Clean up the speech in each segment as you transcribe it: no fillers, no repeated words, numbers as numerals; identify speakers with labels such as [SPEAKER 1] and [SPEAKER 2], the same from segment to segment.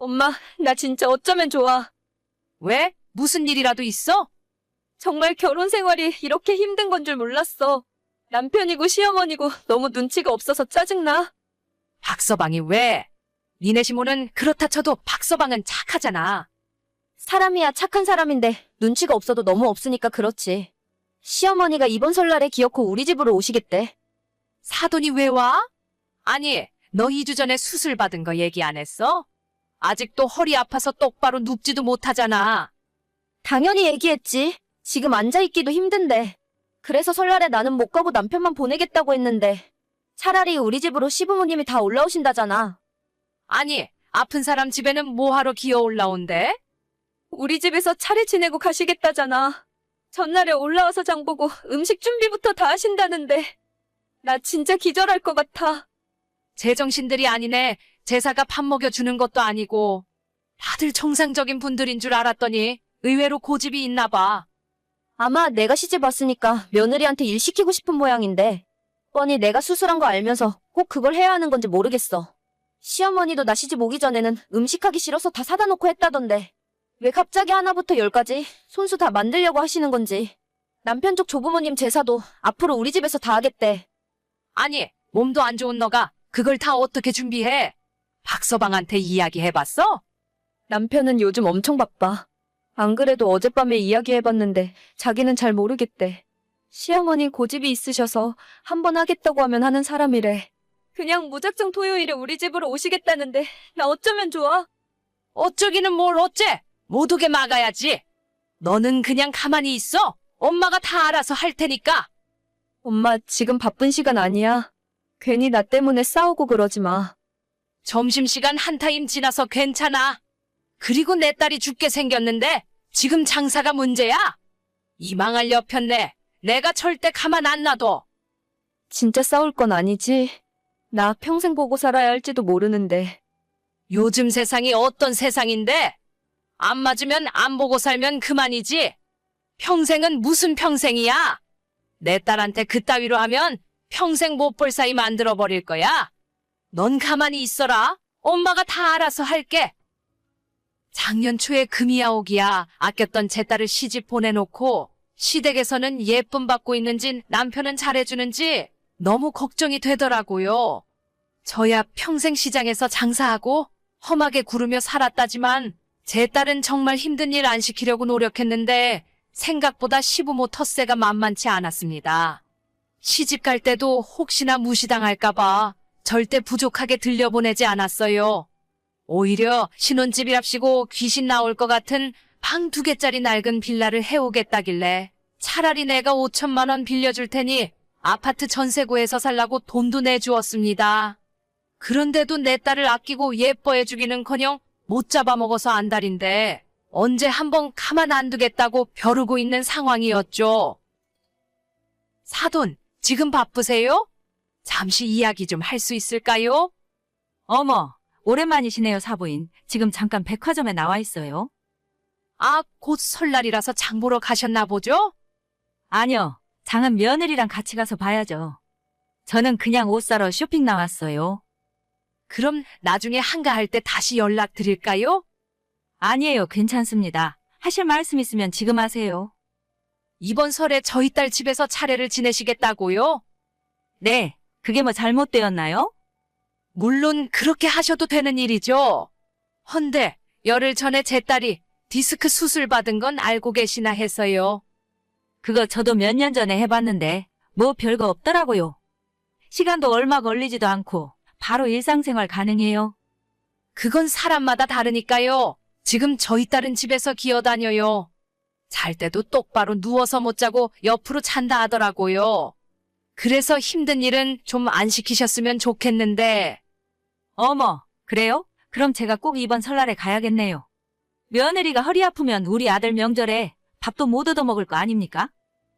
[SPEAKER 1] 엄마, 나 진짜 어쩌면 좋아.
[SPEAKER 2] 왜? 무슨 일이라도 있어?
[SPEAKER 1] 정말 결혼 생활이 이렇게 힘든 건 줄 몰랐어. 남편이고 시어머니고 너무 눈치가 없어서 짜증나.
[SPEAKER 2] 박서방이 왜? 니네 시모는 그렇다 쳐도 박서방은 착하잖아.
[SPEAKER 1] 사람이야 착한 사람인데 눈치가 없어도 너무 없으니까 그렇지. 시어머니가 이번 설날에 기어코 우리 집으로 오시겠대.
[SPEAKER 2] 사돈이 왜 와? 아니, 너 2주 전에 수술 받은 거 얘기 안 했어? 아직도 허리 아파서 똑바로 눕지도 못하잖아.
[SPEAKER 1] 당연히 얘기했지. 지금 앉아있기도 힘든데. 그래서 설날에 나는 못 가고 남편만 보내겠다고 했는데 차라리 우리 집으로 시부모님이 다 올라오신다잖아.
[SPEAKER 2] 아니, 아픈 사람 집에는 뭐하러 기어 올라온대?
[SPEAKER 1] 우리 집에서 차례 지내고 가시겠다잖아. 전날에 올라와서 장보고 음식 준비부터 다 하신다는데 나 진짜 기절할 것 같아.
[SPEAKER 2] 제정신들이 아니네. 제사가 밥 먹여주는 것도 아니고. 다들 정상적인 분들인 줄 알았더니 의외로 고집이 있나 봐.
[SPEAKER 1] 아마 내가 시집 왔으니까 며느리한테 일 시키고 싶은 모양인데 뻔히 내가 수술한 거 알면서 꼭 그걸 해야 하는 건지 모르겠어. 시어머니도 나 시집 오기 전에는 음식하기 싫어서 다 사다 놓고 했다던데 왜 갑자기 하나부터 열까지 손수 다 만들려고 하시는 건지. 남편 쪽 조부모님 제사도 앞으로 우리 집에서 다 하겠대.
[SPEAKER 2] 아니, 몸도 안 좋은 너가 그걸 다 어떻게 준비해? 박서방한테 이야기해봤어?
[SPEAKER 1] 남편은 요즘 엄청 바빠. 안 그래도 어젯밤에 이야기해봤는데 자기는 잘 모르겠대. 시어머니 고집이 있으셔서 한번 하겠다고 하면 하는 사람이래. 그냥 무작정 토요일에 우리 집으로 오시겠다는데 나 어쩌면 좋아?
[SPEAKER 2] 어쩌기는 뭘 어째? 못 오게 막아야지. 너는 그냥 가만히 있어. 엄마가 다 알아서 할 테니까.
[SPEAKER 1] 엄마 지금 바쁜 시간 아니야. 괜히 나 때문에 싸우고 그러지 마.
[SPEAKER 2] 점심시간 한 타임 지나서 괜찮아. 그리고 내 딸이 죽게 생겼는데 지금 장사가 문제야? 이 망할 여편네. 내가 절대 가만 안 놔둬.
[SPEAKER 1] 진짜 싸울 건 아니지? 나 평생 보고 살아야 할지도 모르는데.
[SPEAKER 2] 요즘 세상이 어떤 세상인데? 안 맞으면 안 보고 살면 그만이지. 평생은 무슨 평생이야? 내 딸한테 그따위로 하면 평생 못 볼 사이 만들어버릴 거야. 넌 가만히 있어라. 엄마가 다 알아서 할게. 작년 초에 금이야 오기야 아꼈던 제 딸을 시집 보내놓고 시댁에서는 예쁨 받고 있는지 남편은 잘해주는지 너무 걱정이 되더라고요. 저야 평생 시장에서 장사하고 험하게 구르며 살았다지만 제 딸은 정말 힘든 일 안 시키려고 노력했는데 생각보다 시부모 텃세가 만만치 않았습니다. 시집 갈 때도 혹시나 무시당할까봐 절대 부족하게 들려보내지 않았어요. 오히려 신혼집이랍시고 귀신 나올 것 같은 방 2개짜리 낡은 빌라를 해오겠다길래 차라리 내가 5천만 원 빌려줄 테니 아파트 전세구해서 살라고 돈도 내주었습니다. 그런데도 내 딸을 아끼고 예뻐해주기는커녕 못 잡아먹어서 안달인데 언제 한번 가만 안 두겠다고 벼르고 있는 상황이었죠. 사돈, 지금 바쁘세요? 잠시 이야기 좀 할 수 있을까요?
[SPEAKER 3] 어머, 오랜만이시네요, 사부인. 지금 잠깐 백화점에 나와 있어요.
[SPEAKER 2] 아, 곧 설날이라서 장 보러 가셨나 보죠?
[SPEAKER 3] 아니요, 장은 며느리랑 같이 가서 봐야죠. 저는 그냥 옷 사러 쇼핑 나왔어요.
[SPEAKER 2] 그럼 나중에 한가할 때 다시 연락드릴까요?
[SPEAKER 3] 아니에요, 괜찮습니다. 하실 말씀 있으면 지금 하세요.
[SPEAKER 2] 이번 설에 저희 딸 집에서 차례를 지내시겠다고요?
[SPEAKER 3] 네, 그게 뭐 잘못되었나요?
[SPEAKER 2] 물론 그렇게 하셔도 되는 일이죠. 헌데 열흘 전에 제 딸이 디스크 수술 받은 건 알고 계시나 해서요.
[SPEAKER 3] 그거 저도 몇 년 전에 해봤는데 뭐 별거 없더라고요. 시간도 얼마 걸리지도 않고 바로 일상생활 가능해요.
[SPEAKER 2] 그건 사람마다 다르니까요. 지금 저희 딸은 집에서 기어다녀요. 잘 때도 똑바로 누워서 못 자고 옆으로 잔다 하더라고요. 그래서 힘든 일은 좀 안 시키셨으면 좋겠는데.
[SPEAKER 3] 어머, 그래요? 그럼 제가 꼭 이번 설날에 가야겠네요. 며느리가 허리 아프면 우리 아들 명절에 밥도 못 얻어먹을 거 아닙니까?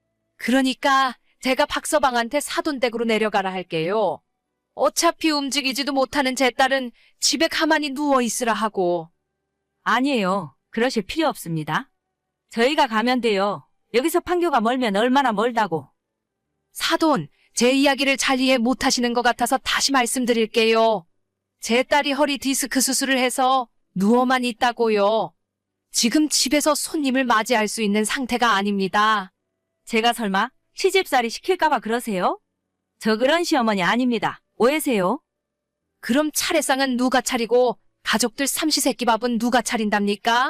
[SPEAKER 2] 그러니까 제가 박서방한테 사돈댁으로 내려가라 할게요. 어차피 움직이지도 못하는 제 딸은 집에 가만히 누워있으라 하고.
[SPEAKER 3] 아니에요. 그러실 필요 없습니다. 저희가 가면 돼요. 여기서 판교가 멀면 얼마나 멀다고.
[SPEAKER 2] 사돈, 제 이야기를 잘 이해 못하시는 것 같아서 다시 말씀드릴게요. 제 딸이 허리 디스크 수술을 해서 누워만 있다고요. 지금 집에서 손님을 맞이할 수 있는 상태가 아닙니다.
[SPEAKER 3] 제가 설마 시집살이 시킬까봐 그러세요? 저 그런 시어머니 아닙니다. 오해세요?
[SPEAKER 2] 그럼 차례상은 누가 차리고 가족들 삼시세끼 밥은 누가 차린답니까?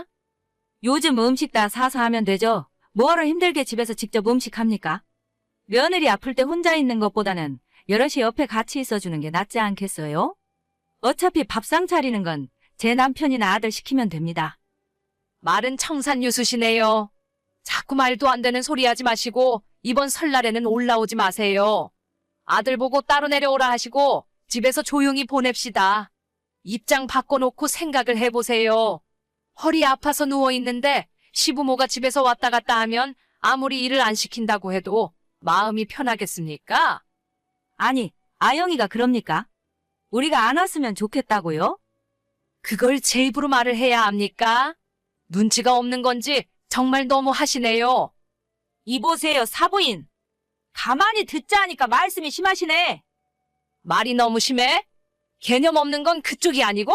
[SPEAKER 3] 요즘 음식 다 사서 하면 되죠. 뭐하러 힘들게 집에서 직접 음식합니까? 며느리 아플 때 혼자 있는 것보다는 여럿이 옆에 같이 있어주는 게 낫지 않겠어요? 어차피 밥상 차리는 건 제 남편이나 아들 시키면 됩니다.
[SPEAKER 2] 말은 청산유수시네요. 자꾸 말도 안 되는 소리 하지 마시고 이번 설날에는 올라오지 마세요. 아들 보고 따로 내려오라 하시고 집에서 조용히 보냅시다. 입장 바꿔놓고 생각을 해보세요. 허리 아파서 누워있는데 시부모가 집에서 왔다 갔다 하면 아무리 일을 안 시킨다고 해도 마음이 편하겠습니까?
[SPEAKER 3] 아니, 아영이가 그럽니까? 우리가 안 왔으면 좋겠다고요?
[SPEAKER 2] 그걸 제 입으로 말을 해야 합니까? 눈치가 없는 건지 정말 너무 하시네요.
[SPEAKER 3] 이보세요, 사부인. 가만히 듣자 하니까 말씀이 심하시네.
[SPEAKER 2] 말이 너무 심해? 개념 없는 건 그쪽이 아니고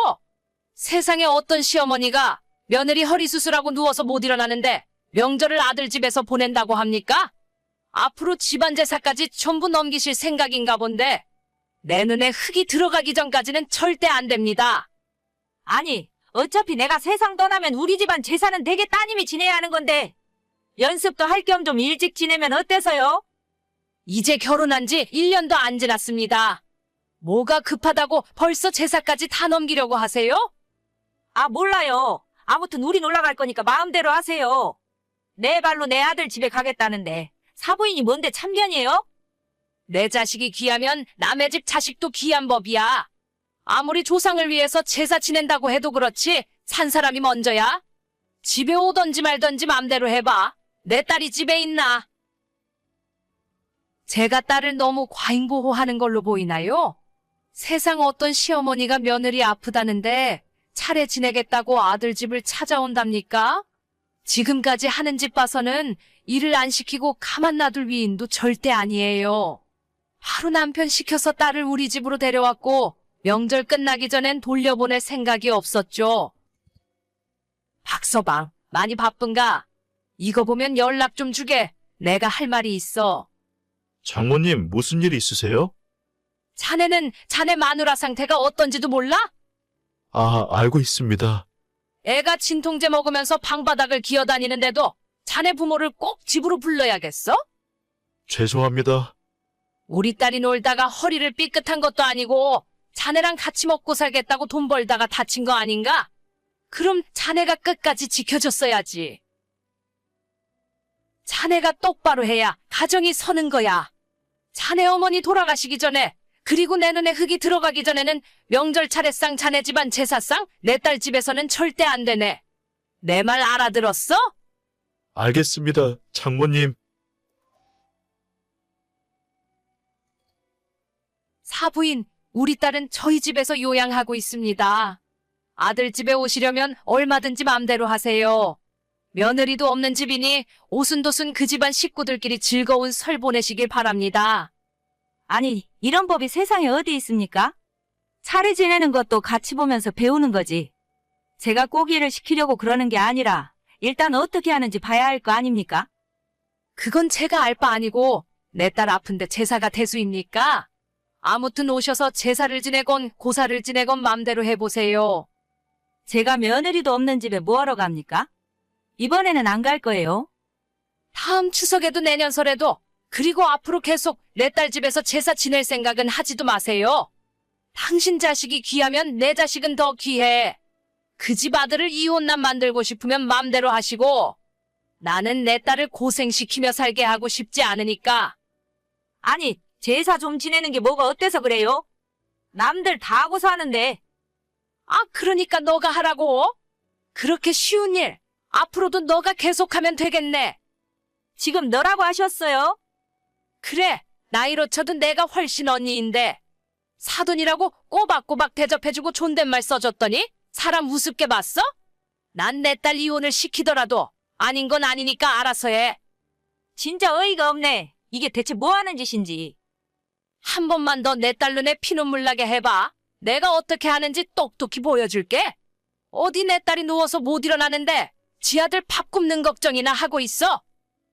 [SPEAKER 2] 세상에 어떤 시어머니가 며느리 허리 수술하고 누워서 못 일어나는데 명절을 아들 집에서 보낸다고 합니까? 앞으로 집안 제사까지 전부 넘기실 생각인가 본데 내 눈에 흙이 들어가기 전까지는 절대 안 됩니다.
[SPEAKER 3] 아니, 어차피 내가 세상 떠나면 우리 집안 제사는 되게 따님이 지내야 하는 건데 연습도 할 겸 좀 일찍 지내면 어때서요?
[SPEAKER 2] 이제 결혼한 지 1년도 안 지났습니다. 뭐가 급하다고 벌써 제사까지 다 넘기려고 하세요?
[SPEAKER 3] 아, 몰라요. 아무튼 우린 올라갈 거니까 마음대로 하세요. 내 발로 내 아들 집에 가겠다는데 사부인이 뭔데 참견이에요?
[SPEAKER 2] 내 자식이 귀하면 남의 집 자식도 귀한 법이야. 아무리 조상을 위해서 제사 지낸다고 해도 그렇지 산 사람이 먼저야. 집에 오던지 말던지 맘대로 해봐. 내 딸이 집에 있나? 제가 딸을 너무 과잉보호하는 걸로 보이나요? 세상 어떤 시어머니가 며느리 아프다는데 차례 지내겠다고 아들 집을 찾아온답니까? 지금까지 하는 집 봐서는 일을 안 시키고 가만 놔둘 위인도 절대 아니에요. 하루 남편 시켜서 딸을 우리 집으로 데려왔고 명절 끝나기 전엔 돌려보낼 생각이 없었죠. 박서방, 많이 바쁜가? 이거 보면 연락 좀 주게. 내가 할 말이 있어.
[SPEAKER 4] 장모님, 무슨 일 있으세요?
[SPEAKER 2] 자네는 자네 마누라 상태가 어떤지도 몰라?
[SPEAKER 4] 아, 알고 있습니다.
[SPEAKER 2] 애가 진통제 먹으면서 방바닥을 기어다니는데도 자네 부모를 꼭 집으로 불러야겠어?
[SPEAKER 4] 죄송합니다.
[SPEAKER 2] 우리 딸이 놀다가 허리를 삐끗한 것도 아니고 자네랑 같이 먹고 살겠다고 돈 벌다가 다친 거 아닌가? 그럼 자네가 끝까지 지켜줬어야지. 자네가 똑바로 해야 가정이 서는 거야. 자네 어머니 돌아가시기 전에 그리고 내 눈에 흙이 들어가기 전에는 명절 차례상 자네 집안 제사상 내 딸 집에서는 절대 안 되네. 내 말 알아들었어?
[SPEAKER 4] 알겠습니다, 장모님.
[SPEAKER 2] 사부인, 우리 딸은 저희 집에서 요양하고 있습니다. 아들 집에 오시려면 얼마든지 맘대로 하세요. 며느리도 없는 집이니 오순도순 그 집안 식구들끼리 즐거운 설 보내시길 바랍니다.
[SPEAKER 3] 아니, 이런 법이 세상에 어디 있습니까? 차례 지내는 것도 같이 보면서 배우는 거지. 제가 꼭 일을 시키려고 그러는 게 아니라 일단 어떻게 하는지 봐야 할 거 아닙니까?
[SPEAKER 2] 그건 제가 알 바 아니고 내 딸 아픈데 제사가 대수입니까? 아무튼 오셔서 제사를 지내건 고사를 지내건 맘대로 해보세요.
[SPEAKER 3] 제가 며느리도 없는 집에 뭐하러 갑니까? 이번에는 안 갈 거예요.
[SPEAKER 2] 다음 추석에도 내년 설에도 그리고 앞으로 계속 내 딸 집에서 제사 지낼 생각은 하지도 마세요. 당신 자식이 귀하면 내 자식은 더 귀해. 그 집 아들을 이혼남 만들고 싶으면 맘대로 하시고 나는 내 딸을 고생시키며 살게 하고 싶지 않으니까.
[SPEAKER 3] 아니, 제사 좀 지내는 게 뭐가 어때서 그래요? 남들 다 하고 사는데.
[SPEAKER 2] 아, 그러니까 너가 하라고. 그렇게 쉬운 일 앞으로도 너가 계속하면 되겠네.
[SPEAKER 3] 지금 너라고 하셨어요?
[SPEAKER 2] 그래, 나이로 쳐도 내가 훨씬 언니인데 사돈이라고 꼬박꼬박 대접해주고 존댓말 써줬더니 사람 우습게 봤어? 난 내 딸 이혼을 시키더라도 아닌 건 아니니까 알아서 해.
[SPEAKER 3] 진짜 어이가 없네. 이게 대체 뭐 하는 짓인지.
[SPEAKER 2] 한 번만 더 내 딸 눈에 피눈물 나게 해봐. 내가 어떻게 하는지 똑똑히 보여줄게. 어디 내 딸이 누워서 못 일어나는데 지 아들 밥 굽는 걱정이나 하고 있어?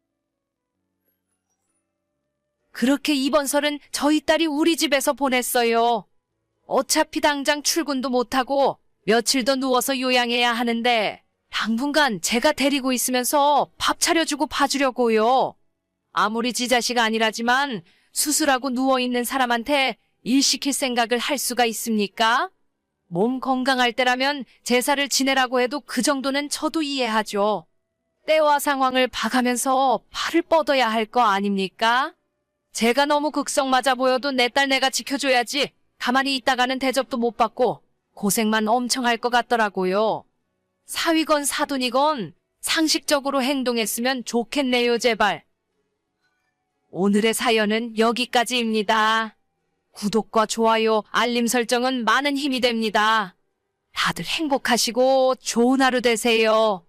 [SPEAKER 2] 그렇게 이번 설은 저희 딸이 우리 집에서 보냈어요. 어차피 당장 출근도 못하고 며칠 더 누워서 요양해야 하는데 당분간 제가 데리고 있으면서 밥 차려주고 봐주려고요. 아무리 지 자식 아니라지만 수술하고 누워있는 사람한테 일 시킬 생각을 할 수가 있습니까? 몸 건강할 때라면 제사를 지내라고 해도 그 정도는 저도 이해하죠. 때와 상황을 봐가면서 발을 뻗어야 할 거 아닙니까? 제가 너무 극성 맞아 보여도 내 딸 내가 지켜줘야지. 가만히 있다가는 대접도 못 받고 고생만 엄청 할 것 같더라고요. 사위건 사돈이건 상식적으로 행동했으면 좋겠네요, 제발. 오늘의 사연은 여기까지입니다. 구독과 좋아요, 알림 설정은 많은 힘이 됩니다. 다들 행복하시고 좋은 하루 되세요.